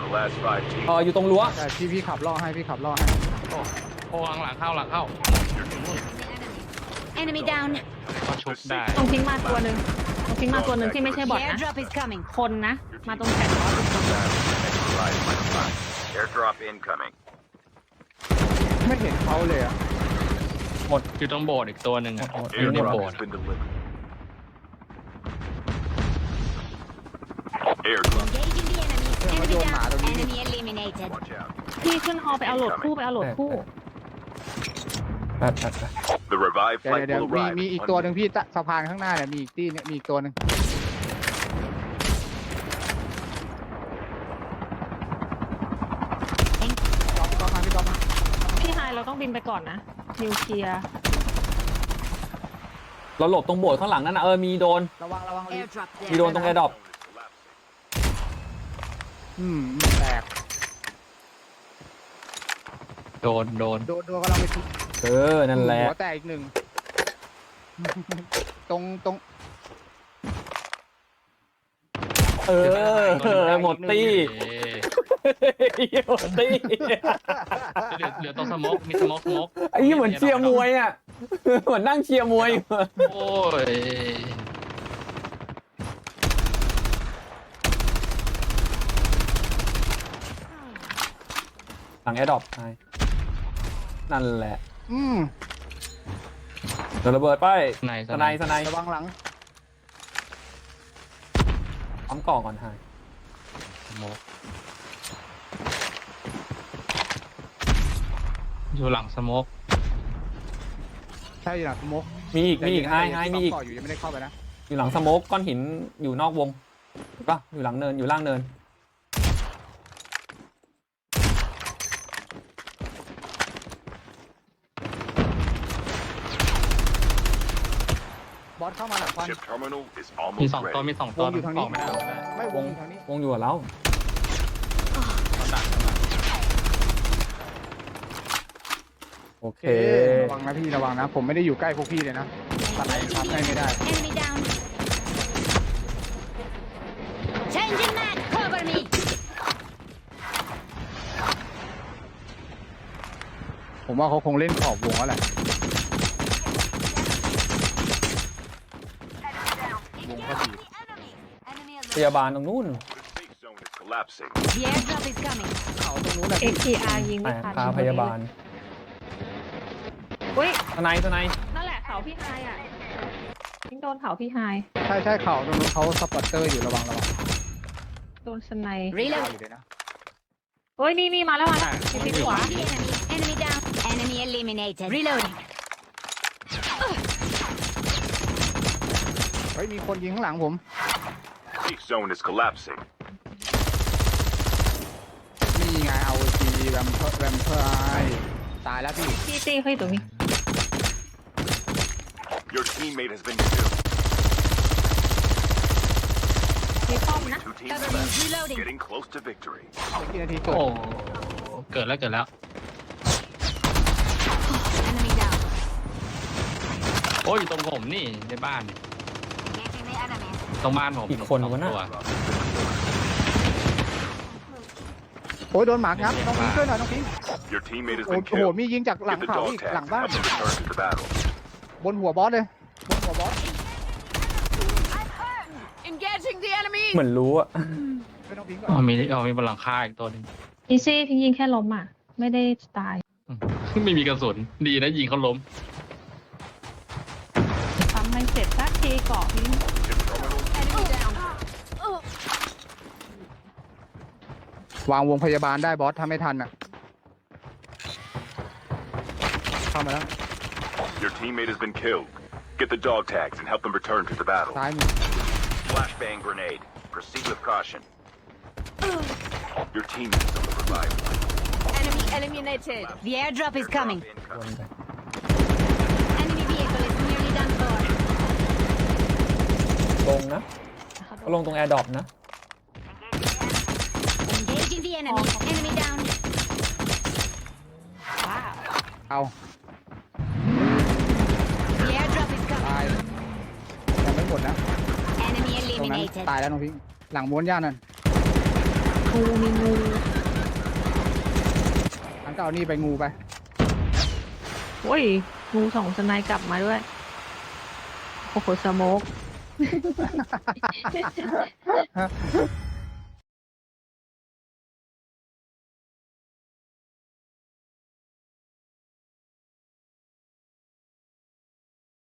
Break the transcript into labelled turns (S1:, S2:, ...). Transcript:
S1: the last 5 teams.
S2: อยู่ตรงรั้ว
S3: แต่พี่ขับล่อให้
S4: โอ้หลังเข้า
S5: Enemy down.
S4: ก็ชุบได้
S6: ตรงทิ้งมาตัวหนึ่งที่ไม่ใช่บอท
S5: The
S6: นะ
S5: airdrop is coming.
S6: คนนะ มาตรงแผ่นล้อทุกคน
S1: Neutralized by the flag. Airdrop incoming.
S3: ไม่เห็นเขาเลยอ่ะ
S4: อยู่ตรงโบสถ์อีกตัวหนึ่งอ่ะอยู่ใน
S1: Airdrop
S4: โบสถ์
S1: has been delivered. Airdrop.
S5: Engaging the enemy. Enemy
S3: Yo,
S5: down.
S3: mano,
S5: Enemy eliminated.
S1: Watch out.
S6: พี่ขึ้นฮอไปเอาโหลดคู่
S2: แปด
S1: The revived
S3: เดี๋ยว
S1: flight
S3: เดี๋ยว
S1: will arrive.
S3: มีอีกตัวหนึ่งพี่สะพานข้างหน้าเนี่ยมีอีกตีเนี่ยมีอีกตัวหนึ่งก๊อฟมาพี่ก๊อฟมา
S6: พี่ไฮเราต้องบินไปก่อนนะนิวเคลียร์
S2: เราหลบตรงโบสถ์ข้างหลังนั่นนะมีโดน
S3: ระวัง
S5: Airdrop
S2: มี
S5: there.
S2: โดนตรงแอร์ดรอป
S3: แตก
S4: โดน
S3: โดนกำลังไปทุบ
S2: นั่นแหละ
S3: หัวแตกอีกหนึ่งตรง
S2: หมดตี้หมดตี้
S4: เหลือตรงสโมกมีสโมก
S2: ไอ้เหมือนเชียร์มวยอ่ะเหมือนนั่งเชียร์มวย
S4: โอ้ย
S2: หลังแอร์ดรอปนั่นแหละเดี๋ยวระเบิดไปสไน
S3: ระวังหลัง
S2: ปั๊มกล่องก่อนไฮ
S4: สโมกอยู่หลังสโมก
S3: ใช่หลังสโมก
S2: มีอีกไฮมีอีก
S3: อยู่ยังไม่ได้เข้าไปนะ
S2: อยู่หลังสโมกก้อนหินอยู่นอกวงป่ะอยู่หลังเนินอยู่ล่างเนิน
S3: บอสเข้ามาหลังควัน
S1: Chip terminal is
S4: มี
S1: almost
S4: สองตัว
S1: ready.
S4: มีสองตัว
S3: วงอยู่ทางนี้
S4: ออกไม่ได้
S3: ไม่วงอยู่ทางนี้
S2: วงอยู่กับเรา โอเค
S3: ระวังนะพี่ระวังนะผมไม่ได้อยู่ใกล้พวกพี่เลยนะสไนครับให้ไม่ได้
S5: Enemy down. Changing mag. Cover me.
S3: ผมว่าเขาคงเล่นขอบวงแล้วแหละวงก็ดี
S2: พยาบาลตรงนู้น
S1: The safe zone is collapsing.
S5: The airdrop is coming.
S3: เขาตรงนู้นแหละ
S6: เอ็กทีอาร์ยิง
S2: แต่
S6: ไม่ทัน
S2: พาพยาบาล
S6: อุ้ย
S2: สไน
S6: นั่นแหละเขาพี่ไฮอ่ะยิงโดนเขาพี่ไฮ
S3: ใช่เขาตรงนู้นเขาสปอตเตอร์อยู่ระวัง
S6: โดนสไน
S3: ยาว
S5: Reload.
S3: อยู่เลยนะ
S6: เฮ้ยนี่มาแล้วติดขวา
S5: The enemy. Enemy down. Enemy eliminated. Reloading.
S3: เฮ้ยมีคนยิงข้างหลังผม
S1: Safe zone is collapsing.
S3: นี่ไงเอาจีแวมเพอร์ตายแล้วพี่
S6: จี้เขาอยู่ตรงนี้
S1: Your teammate has been killed.
S6: มีป้อมนะ
S1: Two teams
S5: Cover me.
S1: left.
S5: Reloading.
S1: Getting close to victory.
S3: กี่นาทีเกิด
S4: โอ้เกิดแล้ว
S5: Enemy down.
S4: โอ้ยอยู่ตรงผมนี่ในบ้าน
S5: Engaging the enemy.
S4: ตรงบ้านผม
S2: อีกคนวะน่ะ
S4: ตัว
S3: โอ้ยโดนหมางับน้องพิงช่วยหน่อยน้องพิง
S1: Your teammate has
S3: โอ้
S1: been
S3: โห
S1: killed.
S3: มียิงจากหลัง
S1: Get the
S3: เขา
S1: dog
S3: อีก
S1: tags
S3: หลัง
S1: and
S3: บ้าน
S1: help them return to the battle.
S3: บนหัวบอสเลยบนหัวบอส
S5: Engaging the enemy.
S2: เหมือนรู้อะ
S3: ช่วยน้องพิงก่อ
S4: อ๋อน มีบนหลังคาอีกตัวหนึง
S6: อีซี่พิงยิงแค่ล้มอ่ะ ไม่ได้ตาย
S4: ไม่มีกระสุนดีนะยิงเขาล้ม
S6: ทำให้เสร็จสักทีเกาะพิง
S1: Chip terminal.
S5: Enemy down.
S3: วางวงพยาบาลได้บอสถ้าไม่ทันอ่ะเข้ามาแล้ว
S1: Your teammate has been killed. Get the dog tags and help them return to the battle.
S3: ซ้ายมือ
S1: Flashbang grenade. Proceed with caution. Your teammate is on the revive.
S5: Enemy eliminated. The airdrop is coming.
S1: Incoming.
S5: Enemy vehicle is nearly done for.
S2: ลงนะเขาลงตรงแอร์ดรอปนะ
S5: Engaging the enemy. Enemy down.
S6: ว้าว
S3: เอา
S5: The airdrop is
S3: ตา
S5: coming.
S3: ยยังไม่หมดนะ
S5: Enemy
S3: ตรงนั้น
S5: eliminated.
S3: ตายแล้วน้องพิงหลังม้วนย่านั่น
S6: งูมีงู
S3: ก็เอานี่ไปงูไป
S6: โอ้ยงูสองสไนด์กลับมาด้วย โอ้โหสโมก